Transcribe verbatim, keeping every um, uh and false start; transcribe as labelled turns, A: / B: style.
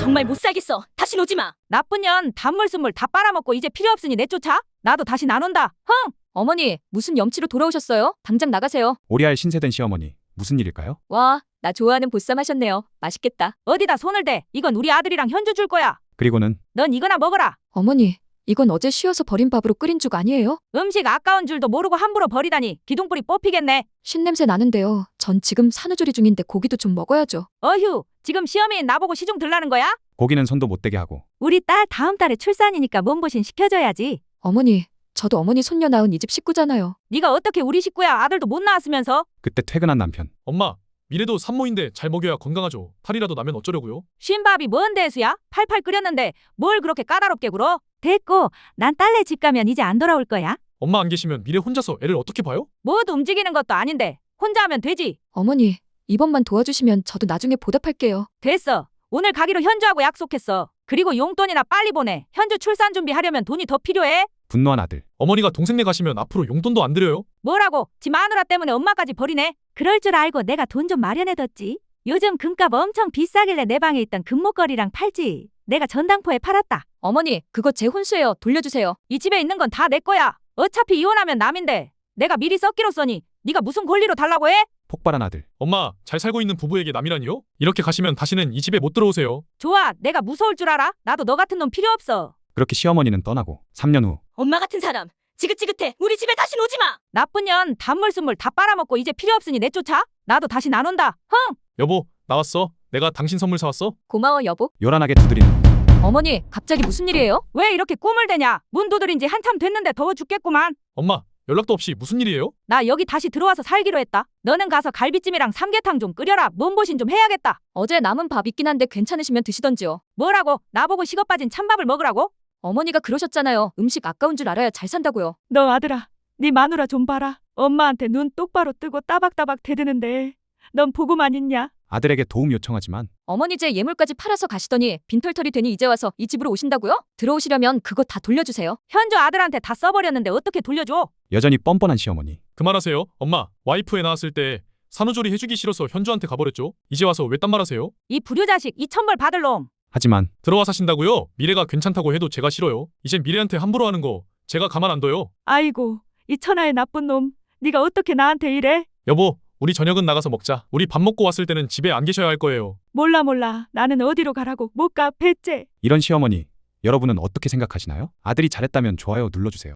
A: 정말 못 살겠어. 다신 오지 마.
B: 나쁜 년 단물 순물 다 빨아먹고 이제 필요 없으니 내쫓아? 나도 다시 안 온다. 흥!
A: 어머니, 무슨 염치로 돌아오셨어요? 당장 나가세요.
C: 오리알 신세된 시어머니, 무슨 일일까요?
A: 와, 나 좋아하는 보쌈 하셨네요. 맛있겠다.
B: 어디다 손을 대. 이건 우리 아들이랑 현주 줄 거야.
C: 그리고는
B: 넌 이거나 먹어라.
A: 어머니, 이건 어제 쉬어서 버린 밥으로 끓인 죽 아니에요?
B: 음식 아까운 줄도 모르고 함부로 버리다니 기둥뿌리 뽑히겠네.
A: 신냄새 나는데요. 전 지금 산후조리 중인데 고기도 좀 먹어야죠.
B: 어휴, 지금 시어머니 나보고 시중 들라는 거야?
C: 고기는 손도 못 대게 하고.
B: 우리 딸 다음 달에 출산이니까 몸보신 시켜줘야지.
A: 어머니, 저도 어머니 손녀 낳은 이 집 식구잖아요.
B: 네가 어떻게 우리 식구야. 아들도 못 낳았으면서.
C: 그때 퇴근한 남편.
D: 엄마, 미래도 산모인데 잘 먹여야 건강하죠. 탈이라도 나면 어쩌려고요?
B: 쉰밥이 뭔 대수야? 팔팔 끓였는데 뭘 그렇게 까다롭게 굴어? 됐고, 난 딸네 집 가면 이제 안 돌아올 거야.
D: 엄마 안 계시면 미래 혼자서 애를 어떻게 봐요?
B: 모두 움직이는 것도 아닌데 혼자 하면 되지.
A: 어머니, 이번만 도와주시면 저도 나중에 보답할게요.
B: 됐어. 오늘 가기로 현주하고 약속했어. 그리고 용돈이나 빨리 보내. 현주 출산 준비하려면 돈이 더 필요해.
C: 분노한 아들.
D: 어머니가 동생네 가시면 앞으로 용돈도 안 드려요?
B: 뭐라고? 지 마누라 때문에 엄마까지 버리네. 그럴 줄 알고 내가 돈 좀 마련해뒀지. 요즘 금값 엄청 비싸길래 내 방에 있던 금목걸이랑 팔지. 내가 전당포에 팔았다.
A: 어머니, 그거 제 혼수예요. 돌려주세요.
B: 이 집에 있는 건 다 내 거야. 어차피 이혼하면 남인데 내가 미리 썩기로 써니 네가 무슨 권리로 달라고 해?
C: 폭발한 아들.
D: 엄마, 잘 살고 있는 부부에게 남이라니요? 이렇게 가시면 다시는 이 집에 못 들어오세요.
B: 좋아, 내가 무서울 줄 알아? 나도 너 같은 놈 필요 없어.
C: 그렇게 시어머니는 떠나고 삼 년 후
A: 엄마 같은 사람, 지긋지긋해. 우리 집에 다신 오지 마.
B: 나쁜 년 단물 순물 다 빨아먹고 이제 필요 없으니 내쫓아? 나도 다시 안 온다. 흥!
D: 여보, 나왔어. 내가 당신 선물 사왔어.
A: 고마워, 여보.
C: 요란하게 두드리는
A: 어머니, 갑자기 무슨 일이에요?
B: 왜 이렇게 꿈을 대냐? 문 두드린 지 한참 됐는데 더워 죽겠구만.
D: 엄마, 연락도 없이 무슨 일이에요?
B: 나 여기 다시 들어와서 살기로 했다. 너는 가서 갈비찜이랑 삼계탕 좀 끓여라. 몸보신 좀 해야겠다.
A: 어제 남은 밥 있긴 한데 괜찮으시면 드시던지요.
B: 뭐라고? 나보고 식어 빠진 찬밥을 먹으라고?
A: 어머니가 그러셨잖아요. 음식 아까운 줄 알아야 잘 산다고요.
B: 너 아들아, 네 마누라 좀 봐라. 엄마한테 눈 똑바로 뜨고 따박따박 대드는데 넌 보고만 있냐?
C: 아들에게 도움 요청하지만
A: 어머니 제 예물까지 팔아서 가시더니 빈털털이 되니 이제 와서 이 집으로 오신다고요? 들어오시려면 그거 다 돌려주세요.
B: 현주 아들한테 다 써버렸는데 어떻게 돌려줘?
C: 여전히 뻔뻔한 시어머니.
D: 그만하세요. 엄마, 와이프 애 낳았을 때 산후조리 해주기 싫어서 현주한테 가버렸죠. 이제 와서 왜 딴 말 하세요?
B: 이 불효자식, 이 천벌 받을 놈.
C: 하지만
D: 들어와 사신다고요? 미래가 괜찮다고 해도 제가 싫어요. 이젠 미래한테 함부로 하는 거 제가 가만 안 둬요.
B: 아이고, 이 천하의 나쁜 놈. 네가 어떻게 나한테 이래?
D: 여보, 우리 저녁은 나가서 먹자. 우리 밥 먹고 왔을 때는 집에 안 계셔야 할 거예요.
B: 몰라 몰라. 나는 어디로 가라고. 못 가, 배째.
C: 이런 시어머니, 여러분은 어떻게 생각하시나요? 아들이 잘했다면 좋아요 눌러주세요.